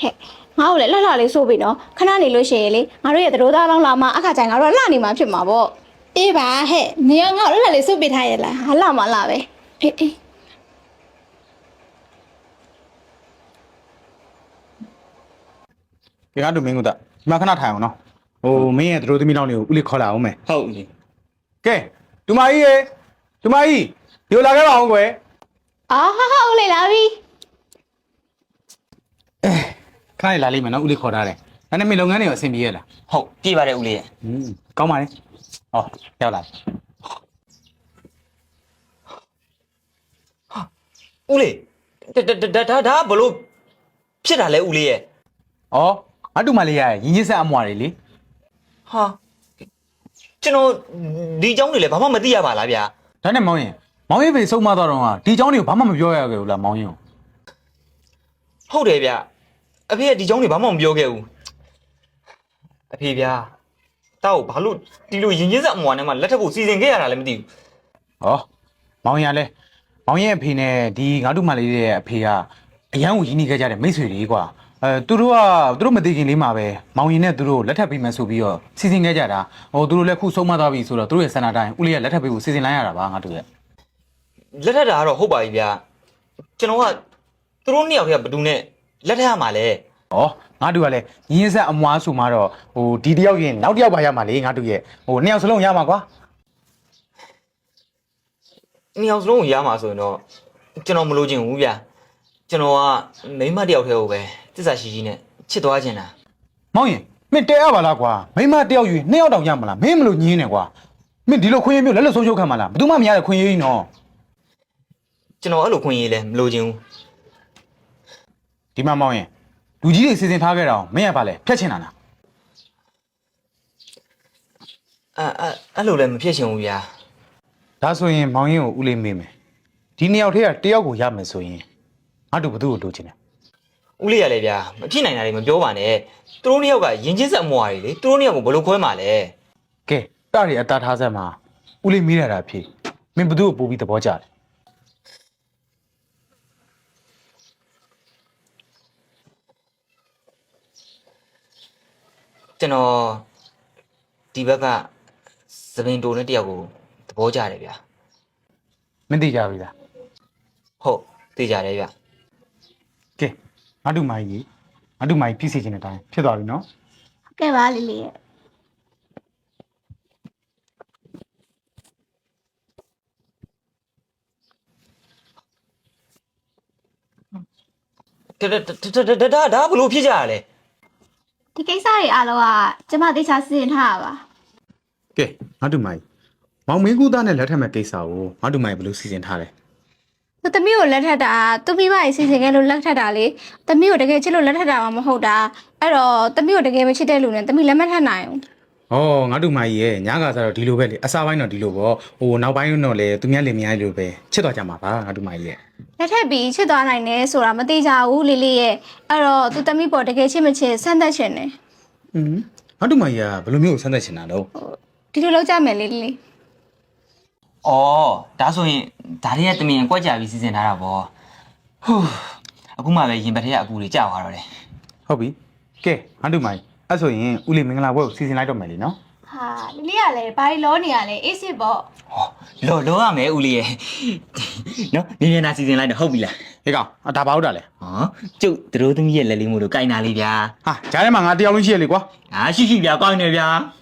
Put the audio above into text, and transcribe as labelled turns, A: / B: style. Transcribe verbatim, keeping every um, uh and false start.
A: ဟဲ့ငါ့ကိုလည်းလှလှလေးဆိုပြီးနော်ခဏနေလို့ရှိရင်လေငါတို့ရဲ့သတို့သားလောင်းလာမှအခါကျရင်ငါတို့ကလှနေမှာဖြစ်မှာပေါ့အေးပါဟဲ့နေရငါ့ကိုလှလှလေးဆိုပြီးထားရလားဟာလှမလှပဲအေးအေး
B: ကဲငါတို့မင်းကဒီမှာခဏထိုင်အောင်နော်ဟိုမင်းရဲ့တို့သမီးလောင်းလေးကိုဦးလေးခေါ်လာအောင်မယ်
C: ဟုတ်ပြီ
B: ကဲဒူမကြီးရေဒူမကြီးဒီလိုလာခဲ့ပါအောင်ကွယ်
A: အာဟာဟာဦးလေးလာပြီ
B: ခဏလေးလာလိမ့်မယ်နော်ဦးလေးခေါ်ထားတယ်ဒါနဲ့မင်းလုပ်ငန်းတွေကိုအဆင်ပြေရလား
C: ဟုတ်ပြေးပါတယ်ဦးလေးရဲ့
B: อืมကောင်းပါလေဟောရောက်လာ
C: ဦးလေးဒါဒါဒါဘလို့ဖြစ်တာလဲဦးလေးရဲ့
B: ဩငါတို့မလေးရရင်ကြီးဆက်အမွာတွေလေ
C: ဟာကျွန်တော်ဒီเจ้าတွေလည်းဘာမှမသိရပါလားဗျာ
B: ဒါနဲ့မောင်ရင်မောင်ရင်ဖေဆုံးမသွားတော့ကဒီเจ้าတွေကိုဘာမှမပြောရခဲ့ဘူးလားမောင်ရင်
C: ဟုတ်တယ်ဗျာအဖေကဒီเจ้าတွေဘာမှမပြောခဲ့ဘူးအဖေဗျာတောက်ဘာလို့ဒီလိုရင်ချင်းစက်အမွာနဲ့မှလက်ထပ်ဖို့စီစဉ်ခဲ့ရတာလည်းမသိဘူး
B: ဟောမောင်ရင်ကလည်းမောင်ရင်အဖေနဲ့ဒီငါတို့မလေးရဲ့အဖေကအရန်ကိုရင်းနှီးခဲ့ကြတဲ့မိတ်ဆွေတွေကွာအဲသူတို့ကသူတို့မသိခင်လေးမှာပဲမောင်ရင်နဲ့သူတို့လက်ထပ်ပေးမယ်ဆိုပြီးတော့စီစဉ်ခဲ့ကြတာဟိုသူတို့လည်းခုဆုံးမသွားပြီဆိုတော့သူတို့ရဲ့ဆန္ဒတိုင်းဦးလေးကလက်ထပ်ပေးဖို့စီစဉ်လိုက်ရတာပါငါတို့ရဲ့
C: လက်ထပ်တာကတော့ဟုတ်ပါပြီဗျာကျွန်တော်ကသူတို့နှစ်ယောက်တည်းကဘယ်သူနဲ့လက်ထပ်ရမှာလဲ
B: ဩငါတို့ကလည်းရင်းဆက်အမွားဆိုမှတော့ဟိုဒီတယောက်ရင်နောက်တယောက်ပါရမှာလေငါတို့ရဲ့ဟိုနှစ်ယောက်စလုံးရမှာကွာ
C: နှစ်ယောက်စလုံးကိုရမှာဆိုရင်တော့ကျွန်တော်မလို့ချင်ဘူးဗျာကျွန်တော်ကမိန်းမတစ်ယောက်တည်းကိုပဲတစ္ဆာရှိရှိနဲ့ချစ်သွားချင်တာ
B: မောင်ရင်မင်းတဲရပါလားကွာမိမတယောက်ယူနှစ်ယောက်တောင်ရမလားမင်းမလို့ညင်းနေကွာမင်းဒီလိုခွင့်ရမျိုးလက်လက်ဆုံးရှုပ်ခံမလားဘယ်သူမှမရတဲ့ခွင့်ရကြီးနော်
C: ကျွန်တော်အဲ့လိုခွင့်ရေးလဲမလို့ချင်ဘူး
B: ဒီမှာမောင်ရင်လူကြီးတွေစီစဉ်ထားခဲ့တာမင်းရပါလေဖြတ်ချင်တာလား
C: အဲအဲအဲ့လိုလည်းမဖြစ်ချင်ဘူးဗျာ
B: ဒါဆိုရင်မောင်ရင်ကိုဦးလေးမေးမယ်ဒီနှစ်ယောက်ထဲကတယောက်ကိုရမယ်ဆိုရင်ငါတို့ဘသူ့ကိုလိုချင်တယ်
C: ဦးလေးရလေဗျာမဖြစ်နိုင်တာတွေမပြောပါနဲ့သူတို့နှစ်ယောက်ကရင်ချင်းဆက်အမွာတွေလေသူတို့နှစ်ယောက်ကိုဘယ်လိုခွဲမှာလဲ
B: ကဲတားရီအတားထားဆက်မှာဦးလေးမေးရတာဖြစ်မင်းဘသူ့ကိုပို့ပြီးသဘောကျတယ်
C: ကျွန်တော်ဒီဘက်ကသပင်တိုနဲ့တယောက်ကိုသဘောကျတယ်ဗျာ
B: မင်းသိကြပြီလား
C: ဟုတ်သိကြတယ်ဗျာ
B: ကဲငါတို့မိုင်းကြီးငါတို့မိုင်းဖြစ်စီခြင်းတဲ့အတိုင်းဖြစ်သွားပြီနော်
A: ကဲပါလေးလေးရဲ့
C: ဒါဒါဒါဒါဘလို့ဖြစ်ကြရလဲ
A: ဒီကိစ္စတွေအားလုံးကကျမသေချာစီစဉ်ထားတာပါ
B: ကဲငါတို့မိုင်းမောင်မင်းကူသားနဲ့လက်ထပ်မဲ့ကိစ္စကိုငါတို့မိုင်းဘယ်လိုစီစဉ်ထားလဲ
A: သူသမီးကိုလက်ထပ်တာသူမိဘကြီးစီစဉ်ခဲ့လို့လက်ထပ်တာလေသမီးကိုတကယ်ချစ်လို့လက်ထပ်တာမှမဟုတ်တာအဲ့တော့သမီးကိုတကယ်မချစ်တဲ့လူနဲ့သမီးလက်မထပ်နိုင်ဘူး
B: ။ဩငါတို့မိုင်းရဲ့ညကစားတော့ဒီလိုပဲလေအစားပိုင်းတော့ဒီလိုပေါ့ဟိုနောက်ပိုင်းတော့လေသူများလင်မယားလိုပဲချစ်သွားကြမှာပါငါတို့မိုင်းရဲ့
A: လက်ထပ်ပြီးချစ်သွားနိုင်တယ်ဆိုတာမသိကြဘူးလေးလေးရဲ့အဲ့တော့သူသမီးပေါ်တကယ်ချစ်မချစ်ဆန်းသက်ချင်တယ်
B: ။อืมငါတို့မိုင်းကဘယ်လိုမျိုးဆန်းသက်ချင်တာတော့
A: ဒီလိုလောက်ကြမယ်လေးလေး
C: ဩဒါဆိုရင်ဒါတွေကတမင်အကွက်ကြပြီးစီစဉ်ထားတာပေါ့ဟူးအခုမှပဲရင်ပတ်ထက်ကအပူတွေကြောက်သွားတော့တယ်
B: ဟုတ်ပြီ။ကဲငါတို့မိုင်းအဲ့ဆိုရင်ဦးလေးမင်္ဂလာပွဲကိုစီစဉ်လိုက်တော့မယ်လေနော်
A: ဟာလေးလေးကလည်းဘာလို့လောနေရလဲအေးစစ်ပေါ့
C: ဟောလောလောရမယ်ဦးလေးရဲ့နော်မြင်မြင်နာစီစဉ်လိုက်တော့ဟုတ်ပြီလား
B: ။ဟေးကောင်အဒါဘာဟုတ်တာလဲ
C: ဟောကျုပ်တို့သမီးရဲ့လက်လေးမို့လို့ကြိုင်နာလေးဗျာ
B: ။ဟာဂျားထဲမှာငါတယောက်လုံးရှိရလေကွာ
C: အာရှိရှိဗျာကောင်းနေဗျာ